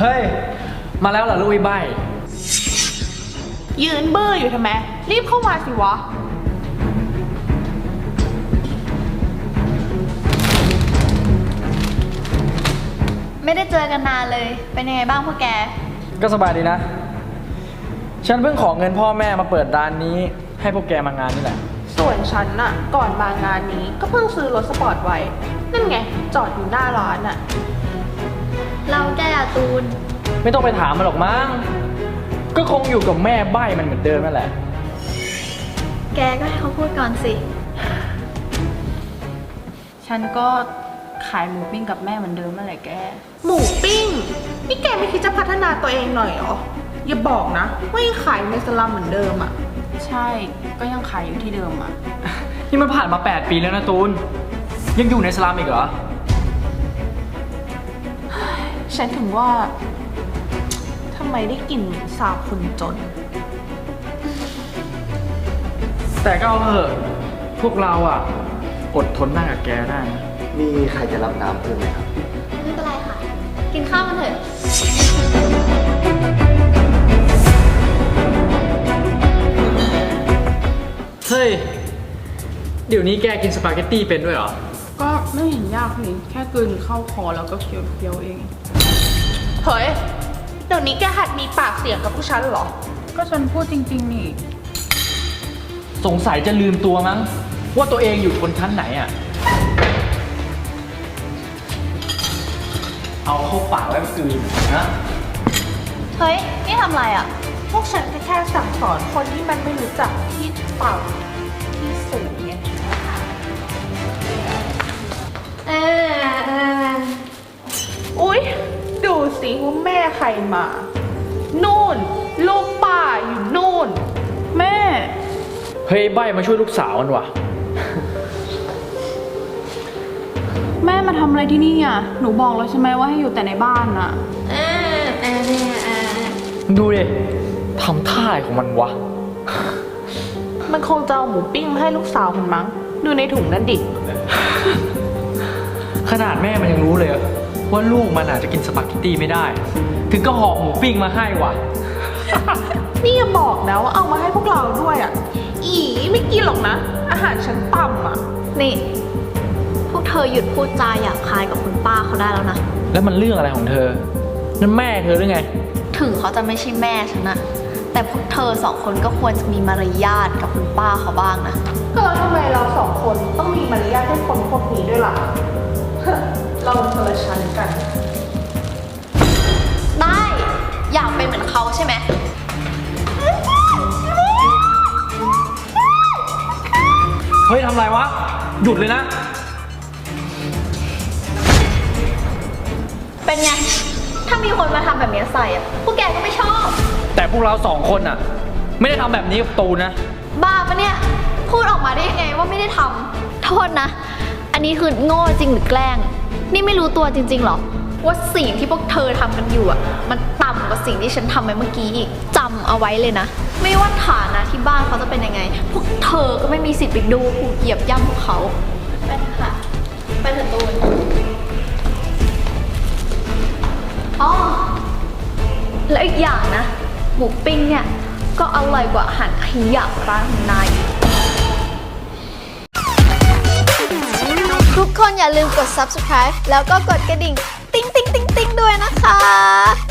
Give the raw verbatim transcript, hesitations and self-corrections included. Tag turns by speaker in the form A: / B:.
A: เฮ้ยมาแล้วเหรอลูกไอ้ใบ
B: ยืนเบื่ออยู่ทำไมรีบเข้ามาสิวะ
C: ไม่ได้เจอกันนานเลยเป็นยังไงบ้างพวกแก
A: ก็สบายดีนะฉันเพิ่งขอเงินพ่อแม่มาเปิดร้านนี้ให้พวกแกมางานนี่แหละ
B: ส่วนฉันน่ะก่อนมางานนี้ก็เพิ่งซื้อรถสปอร์ตไว้นั่นไงจอดอยู่หน้าร้านน่ะ
C: เราแกอะตูน
A: ไม่ต้องไปถามมันหรอกมั้งก็คงอยู่กับแม่ใบ้มันเหมือนเดิมนั่นแหละ
C: แกก็ให้เขาพูดก่อนสิ
B: ฉันก็ขายหมูปิ้งกับแม่เหมือนเดิมนั่นแหละแกหมูปิ้งนี่แกไม่คิดจะพัฒนาตัวเองหน่อยเหรออย่าบอกนะว่ายังขายในสลัมเหมือนเดิมอ่ะใช่ก็ยังขายอยู่ที่เดิมอ่ะ
A: นี่มันผ่านมาแปดปีแล้วนะตูนยังอยู่ในสลัมอีกเหรอ
B: ฉันถึงว่าทำไมได้กลิ่นสาบคนจน
A: แต่ก็เอาเถอะพวกเราอ่ะอดทนนั่งกับแกได้นะ
D: มีใครจะรับน้ำเพิ่มไหมครับ
C: ไม่เป็นไรค่ะกินข้าวกันเถอะ
A: เฮ้ยเดี๋ยวนี้แกกินสปาเกตตี้เป็นด้วยเหรอ
B: ก็ไม่เห็นยากนี่แค่กลืนเข้าคอแล้วก็เคี้ยวเคี้ยวเองเฮ้ยเดี๋ยวนี้แกหัดมีปากเสียงกับผู้ชันเหรอก็ฉันพูดจริงๆนี่
A: สงสัยจะลืมตัวมั้งว่าตัวเองอยู่ชนชั้นไหนอ่ะเอาเข้าปากไว้กลืนนะ
C: เฮ้ยนี่ทำอะไรอ่ะ
B: พวกฉันแค่สั่งสอนคนที่มันไม่รู้จักที่ต่ำที่สูงไง
C: เออเออ
B: อุ๊ยดูสิว่าแม่ใครมานู่นลูกป่าอยู่นู่นแม่
A: เฮ้ยใบมาช่วยลูกสาวมันว่ะ
B: แม่มาทำอะไรที่นี่อ่ะหนูบอกแล้วใช่ไหมว่าให้อยู่แต่ในบ้านอ่ะ
C: เออเออเออ
A: ดูดิทำท่าอะไรของมันวะ
B: มันคงจะเอาหมูปิ้งมาให้ลูกสาวมันมั้งดูในถุงนั่นดิ
A: ขนาดแม่มันยังรู้เลยว่าลูกมันอาจจะกินสปาเกตตี้ไม่ได้ถึงก็ห่อหมูปิ้งมาให้ว่ะ
B: นี่อย่าบอกนะว่าเอามาให้พวกเราด้วยอ่ะอีไม่กินหรอกนะอาหารชั้นต่ำอ่ะ
C: นี่พวกเธอหยุดพูดจาหยาบคายกับคุณป้าเขาได้แล้วนะ
A: แล้วมันเรื่องอะไรของเธอนั่นแม่เธอหรือไง
C: ถึงเขาจะไม่ใช่แม่ฉันนะแต่พวกเธอสองคนก็ควรจะมีมารยาทกับคุณป้าเขาบ้างนะ
B: ก็แล้วทำไมเราสองคนต้องมีมารยาทให้คนพวกนี้ด้วยล่ะเราเธอชั้นกัน
C: ได้อยากเป็นเหมือนเขาใช่ไหม
A: เฮ้ยทำไรวะหยุดเลยนะ
C: เป็นไงถ้ามีคนมาทำแบบนี้ใส่อะพวกแกก็ไม่ชอบ
A: แต่พวกเราสองคนอะไม่ได้ทำแบบนี้กับตูนนะ
C: บ้าปะเนี่ยพูดออกมาได้ยังไงว่าไม่ได้ทำโทษนะอันนี้คือโง่จริงหรือแกล้งนี่ไม่รู้ตัวจริงๆหรอว่าสิ่งที่พวกเธอทำกันอยู่อะมันต่ำกว่าสิ่งที่ฉันทำไปเมื่อกี้อีกจำเอาไว้เลยนะไม่ว่าฐานะที่บ้านเขาจะเป็นยังไงพวกเธอก็ไม่มีสิทธิ์ไปดูถูกเหยียบย่ำพวกเขาไปเถอะค่ะไปเถอะตูนอ๋อแล้วอีกอย่างนะหมูปิ้งเนี่ยก็อร่อยกว่าอาหารขยะร้านของนายทุกคนอย่าลืมกด ซับสไครบ์ แล้วก็กดกระดิ่งติ๊งติ๊งติ๊งติ๊งด้วยนะคะ